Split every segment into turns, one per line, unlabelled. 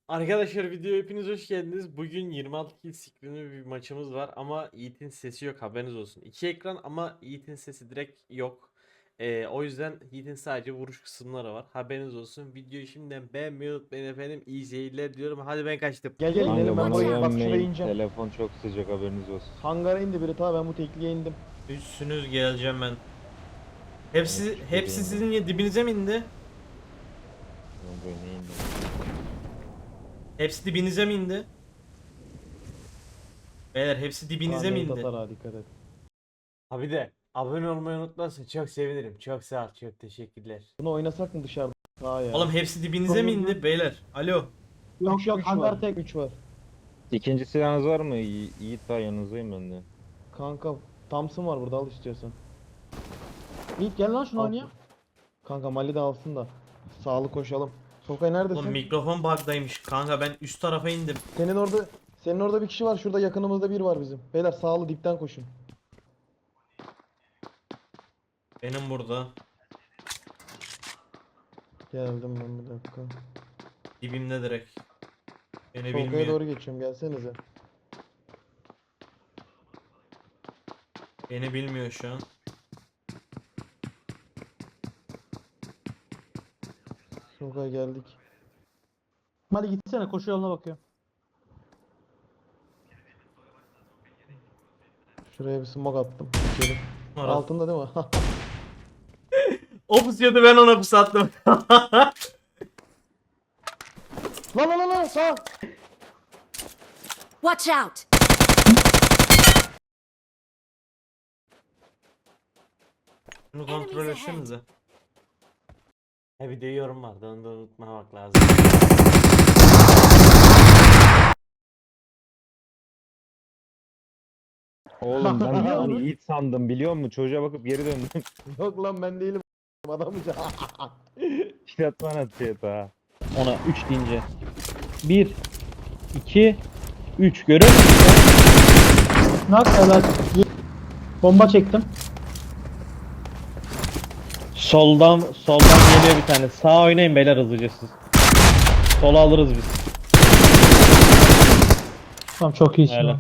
Arkadaşlar videoya hepiniz hoş geldiniz. Bugün 26 kill screen'li bir maçımız var ama Yiğit'in sesi yok, haberiniz olsun. İki ekran ama Yiğit'in sesi direkt yok. O yüzden Yiğit'in sadece vuruş kısımları var. Haberiniz olsun. Videoyu şimdiden beğenmeyi unutmayın efendim. İyi seyirler diyorum. Hadi ben kaçtım.
Gel gel
Kanka
inelim ben
bana
buraya bak şuraya
güvenmeyin.
ineceğim.
Telefon çok sıcak, haberiniz olsun.
Hangara indi biri ta ben bu tekliğe indim.
Üstünüz geleceğim ben. Hepsi
Evet,
hepsi
şuraya
sizin dibinize mi indi?
Böyle neyim
Hepsi dibinize mi indi? Beyler hepsi dibinize mi indi?
Atar ha dikkat et.
Abi de abone olmayı unutmazsan çok sevinirim. Çok sağ ol. Çok teşekkürler.
Bunu oynasak mı dışarıda? Ha ya.
Oğlum hepsi dibinize mi indi beyler? Alo.
Yok yok hangar tek 3 var.
İkinci silahınız var mı? Yiğit daha yanınızdayım ben de.
Kanka Thompson var burada al istiyorsan. Yiğit gel lan şunu
Al.
oynayalım. Kanka Mali de alsın da. Sağlı koşalım. Sokay neredesin?
Oğlum mikrofon bug'daymış. Kanka ben üst tarafa indim.
Senin orada bir kişi var. Şurada yakınımızda bir var bizim. Beyler sağlı dipten koşun.
Benim burada.
Geldim ben bir dakika.
Dibimde direkt. Beni
Sokaya
bilmiyor.
doğru geçiyorum gelsenize.
Beni bilmiyor şu an.
Sokaya geldik.
Hadi gitsene koşu yoluna bakıyorum.
Şuraya bir smoke attım. İçeri.
Orası.
Altında değil mi?
O pusuyordu, ben ona pusattım.
Lan sağ.
Watch out!
Bunu kontrol
Enemies
etsenize. He bir de yorum vardı, onu da unutmamak lazım.
Oğlum ben bir an Yiğit sandım, biliyor musun? Çocuğa bakıp geri döndüm.
Yok lan ben değilim. Adamca.
Şiratman atıyor ha.
Ona 3 deyince. 1 2 3 görüyor musun? Nak helal. Bomba çektim. Soldan geliyor bir tane. Sağ oynayın beyler hızlıca siz. Sola alırız biz. Tamam çok iyisin.
Hmm,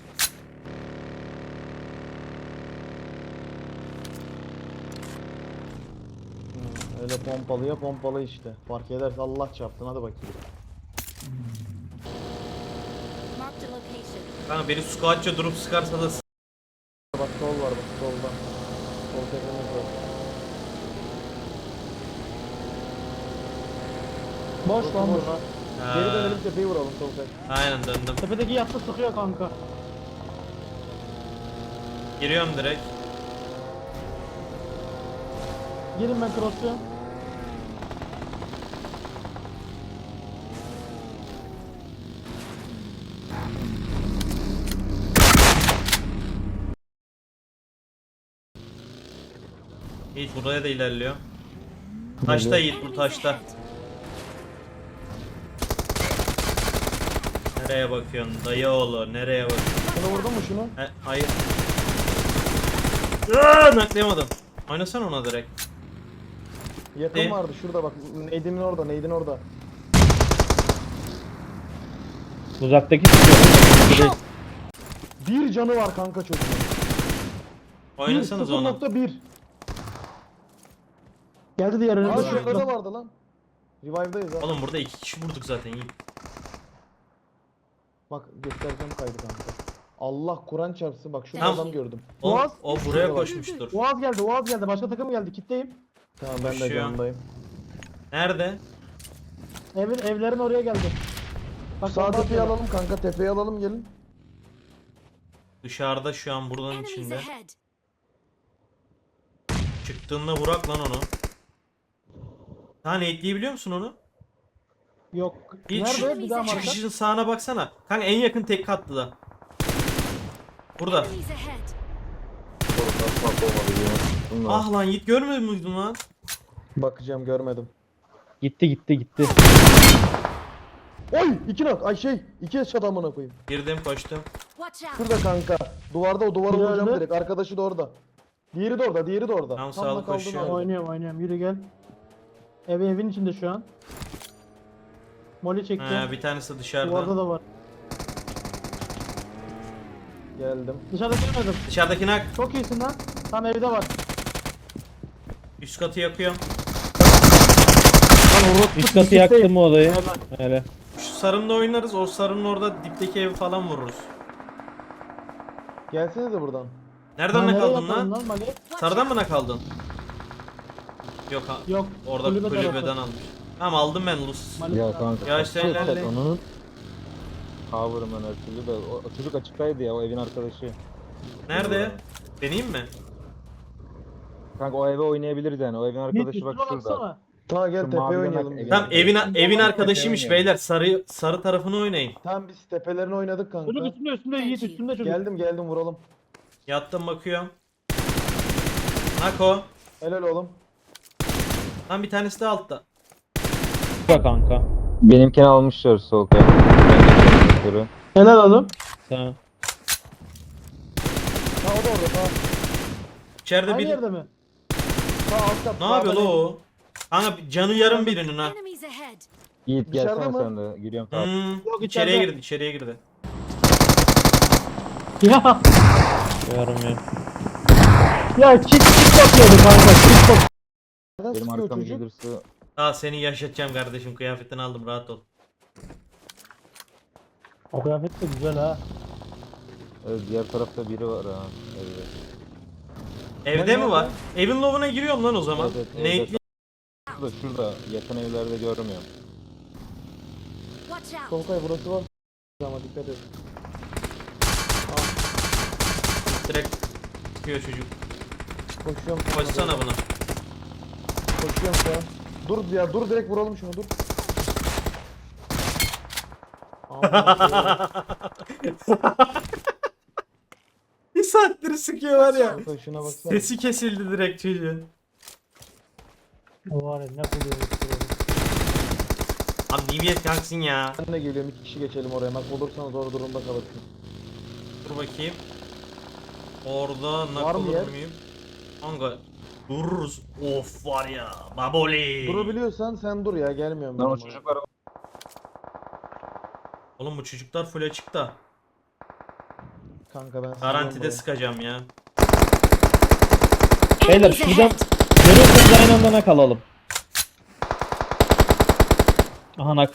öyle pompalıya pompalı işte. Fark ederse Allah çarpsın hadi bakayım.
Marked a location.
Kanka beni squatça durup sıkarsa da
Bak sol var bak solda. Sol tepemiz var.
Boş lan
Boş.
burada.
Geri
Ha,
dönelim tepeyi vuralım sol tek.
aynen döndüm.
Tepedeki yattı sıkıyor kanka.
Giriyorum direkt.
Girin ben cross'luyorum.
Yiğit buraya da ilerliyor. Taşta Yiğit, bu taşta. Nereye bakıyorsun dayı oğlu, nereye bakıyorsun?
Şunu vurdun mu şunu?
Hayır. Aaaa, naklayamadım. Oynasana ona direkt.
Yakın
Ne?
vardı şurada bak. Neydin orada neydin orada.
Uzaktaki sıkıyor.
Bir canı var kanka çocuğun.
Oynasanız ona.
0.1.
Geldi diğer
Aa
önümde.
şurada da vardı lan. Revive'dayız ha.
Oğlum burada iki kişi vurduk zaten Yiğit.
Bak göstereceğim kaydı kanka. Allah Kur'an çarpsın bak şurada
Tamam.
adam gördüm.
O,
Boğaz.
o buraya koşmuştur.
Uaz geldi. Başka takım geldi. Kitleyim.
Tamam ben de
Koşuyor.
canındayım.
Nerede?
Evlerin oraya geldi. Bak
Sağ
bomba
tepeyi
atıyorlar.
alalım kanka tepeyi alalım gelin.
Dışarıda şu an, buradan
Enemies
içinde.
ahead.
Çıktığında vurak lan onu. Tane ekleyebiliyor musun onu?
Yok.
Hiç.
Nerede? Bir daha marka.
Çıkışın sağına baksana. Kanka en yakın tek katlı da. Burada.
Enemies ahead.
Ah lan Yiğit, görmüyor muydun lan?
Bakacağım görmedim.
Gitti.
Oy 2 nok ay şey 2 headshot amına koyayım.
Girdim, koştum.
Watch out.
Şurada kanka. Duvarda o duvara
Nerede?
vuracağım direkt. Arkadaşı da orada. Diğeri de orada.
Tamam,
Tam
sağlık
kaldığın
koşuyor.
halde.
Oynuyorum. Yürü gel. Evin içinde şu an.
Moli çekti.
Bir tanesi dışarıda.
Duvarda da var. Geldim. Dışarıda görmedim.
Dışarıdaki nak.
Çok iyisin lan. Tam evde var.
Üst katı yakıyorum.
Lan orospu
Üst katı
dipteyim.
yaktım o odayı.
Hemen.
Öyle.
Şu sarımla oynarız. O sarının orada dipteki evi falan vururuz.
Gelsenize buradan.
Nereden nak
nereye
aldın
yapalım
lan?
Mali?
Sarıdan mı nak aldın? Yok ha.
Yok.
Orada
kulübe
kulübeden
tarafı.
almış. Tamam aldım ben Lus.
Mali
Ya
tarafı.
kanka.
Ya işte
Çok
ilerle.
Onun cover'ım ben her türlü de. O çocuk açıktaydı ya, o evin arkadaşı.
Nerede? Deneyeyim mi?
Kanka o eve oynayabiliriz yani. O evin
Yiğit
arkadaşı bak
üstüne
şurada.
baksana. Ta gel
Şu
tepeye
mavi
oynayalım.
demek-
biz.
Tamam evin arkadaşıymış
oynayalım.
beyler. Sarı tarafını oynayın.
Tamam biz tepelerini oynadık kanka.
Çocuk üstünde Yiğit üstünde çocuk.
Geldim vuralım.
Yattım bakıyorum. Nako.
Helal oğlum.
Lan bir tanesi de altta.
Bak kanka.
Benimkini almışlar sol kay.
Helal oğlum.
Tamam.
Ha o da orada ta.
İçeride
Aynı
bir...
yerde mi? Ta alt kat.
Ne yapıyor la o? Kanka canı yarım birinin ha.
Enemies ahead.
Yiğit
Dışarıda
gelsene
mı?
sen de. Giriyorum tamam.
Yok,
İçeriye
içeride.
içeriye girdi.
Ya.
Görmüyorum.
Ya kit bakıyordu kanka. Kit bak. Nereden
Benim
sıkıyor
arkam
çocuk?
gelirse
Aa seni yaşatacağım kardeşim. Kıyafetini aldım rahat ol.
O kıyafet de güzel ha.
evet, diğer tarafta biri var ha. Evet.
Evde mi var? Evin lovuna giriyorum lan o zaman.
Evet,
Ne
evde. Şurada yakın evlerde görmüyorum.
Watch out.
Solkay burası var. Ama dikkat et.
direkt çıkıyor çocuk.
Koşuyorum.
Koşsana buna.
Koşuyorum şu an. Dur ya dur direkt vuralım şunu dur.
Bir saattir sıkıyor var ya.
Solkay şuna baksana.
Sesi kesildi direkt çocuğun.
O var ya ne buluyormuş.
Abi niyet kalksın ya.
Ben de geliyorum 2 kişi geçelim oraya. Bak olursan zor durumda kalırsın.
Dur bakayım. Orada
Var
nak
mı
olur
yer?
muyum? Kanka dururuz. Of var ya. Baboli.
Durabiliyorsan sen dur ya gelmiyorum ben.
Lan o
buraya.
çocuklar
Oğlum bu çocuklar full açıkta.
Kanka ben
Garantide
sıkıyorum
sıkacağım ya.
Beyler
Enemies
şuradan
ahead.
görüyorsanız aynı anda nak alalım. Aha nak.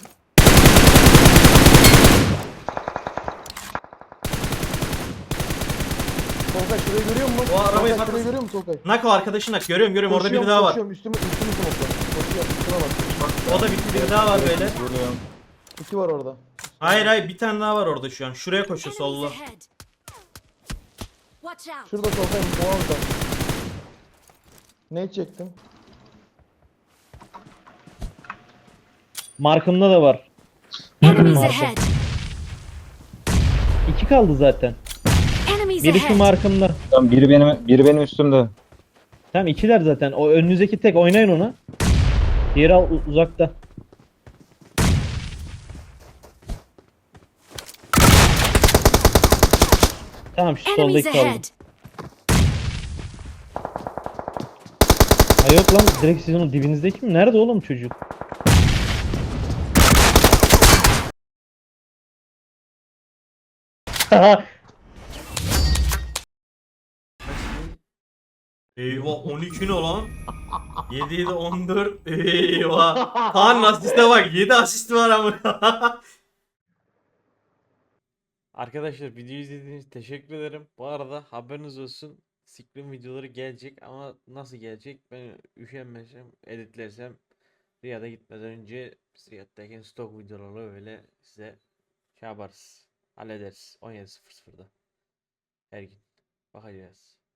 Solkay şurayı görüyor musun?
O arabayı
Solkay,
patlasın.
şurayı görüyor musun Solkay?
Nak o arkadaşın nak. Görüyorum orada biri
Koşuyorum,
daha var.
koşuyorum. Üstümü smoke'la. Koşuyorum üstüne bak.
O da bitti biri daha var böyle.
görüyorum.
2 var orada.
Hayır bir tane daha var orada şu an. Şuraya koşuyor
Enemies
sollu.
ahead. Watch out.
Şurada Solkay bu altta. Ne çektim?
Markımda da var.
Enemies
Markım.
ahead.
2 kaldı zaten.
Enemies
Biri şu
ahead.
markımda.
Tamam, biri benim üstümde.
Tamam ikiler zaten. O önünüzdeki tek oynayın onu. Diğeri uzakta. Tamam şu
Enemies
soldaki kaldı.
ahead.
Ha yok lan direkt sizin o dibinizdeki mi? Nerede oğlum çocuk?
Eyvah 12 ne lan? 7 7 14. Eyvah. Kaan'ın asiste bak 7 asisti var ama. Arkadaşlar videoyu izlediğiniz için teşekkür ederim. Bu arada haberiniz olsun. Scream videoları gelecek ama nasıl gelecek? Ben üşenmesem, editlersem Riyad'a gitmeden önce biz Riyad'dayken stok videolarla öyle size şey yaparız. Hallederiz 17.00'da her gün. Bakacağız.